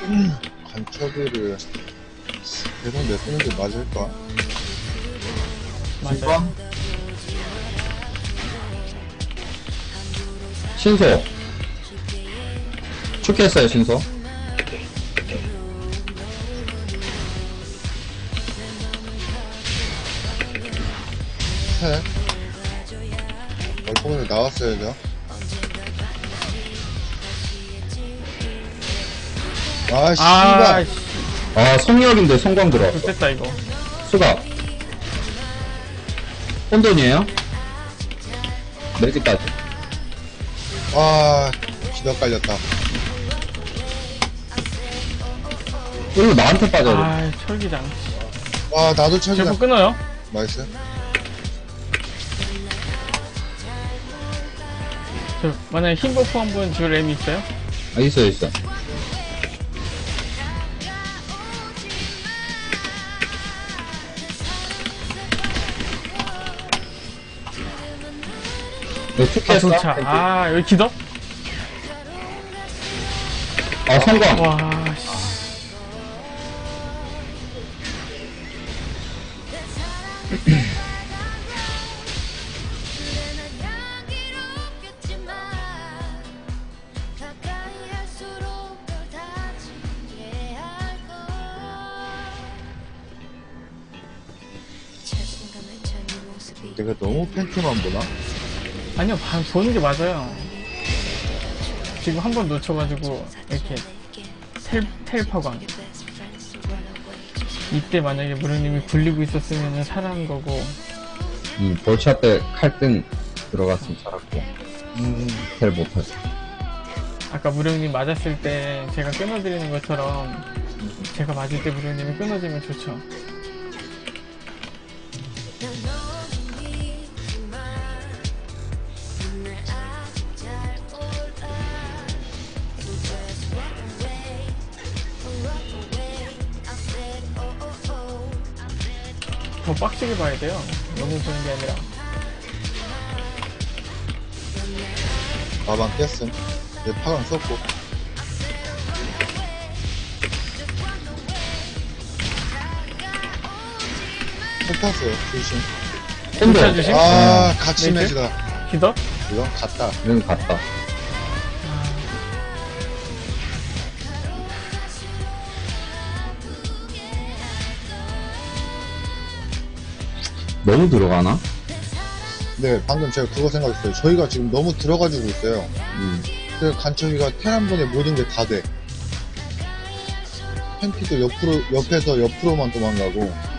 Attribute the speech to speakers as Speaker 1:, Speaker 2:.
Speaker 1: 간첩이를 계속 내쓰는 게 맞을까?
Speaker 2: 맞아요.
Speaker 3: 신소. 축했어요, 신소.
Speaker 1: 해. 얼굴에 나왔어야죠. 아, 씨발.
Speaker 2: 씨.
Speaker 3: 아, 성역인데 성광 들어왔어.
Speaker 2: 좋겠다, 이거.
Speaker 3: 수갑. 혼돈이에요? 매직까지.
Speaker 1: 아, 기도 깔렸다.
Speaker 3: 이거 나한테 빠져야 돼.
Speaker 2: 아, 철기장.
Speaker 1: 와, 나도
Speaker 2: 제보
Speaker 1: 철기다.
Speaker 2: 끊어요.
Speaker 1: 나이스.
Speaker 2: 저, 만약에 흰 버프 한 분 줄 M이 있어요?
Speaker 3: 아, 있어, 있어. 너
Speaker 2: 아,
Speaker 3: 축했어?
Speaker 2: 도차. 아, 여기 기덕?
Speaker 3: 아, 성광.
Speaker 2: 와, 씨.
Speaker 1: 내가 너무 팬티만 보나?
Speaker 2: 아니요, 보는 게 맞아요. 지금 한 번 놓쳐가지고, 이렇게, 텔파광. 이때 만약에 무령님이 굴리고 있었으면 살아난 거고,
Speaker 3: 볼차 때 칼등 들어갔으면 살았고. 텔 못하지.
Speaker 2: 아까 무령님 맞았을 때 제가 끊어드리는 것처럼, 제가 맞을 때 무령님이 끊어지면 좋죠. 더 빡시게 봐야 돼요. 너무 보는 게 아니라.
Speaker 1: 가방 깼음. 내 파강 썼고. 책 탔어요. 조심.
Speaker 3: 혼돈.
Speaker 2: 조심.
Speaker 1: 아, 같이
Speaker 2: 메이트?
Speaker 1: 매지다.
Speaker 2: 기덕?
Speaker 1: 이건 갔다.
Speaker 3: 는 갔다. 너무 들어가나?
Speaker 1: 네, 방금 제가 그거 생각했어요. 저희가 지금 너무 들어가지고 있어요. 그래서 간첩이가 텔 한 번에 모든 게 다 돼. 팬티도 옆에서 옆으로만 도망가고.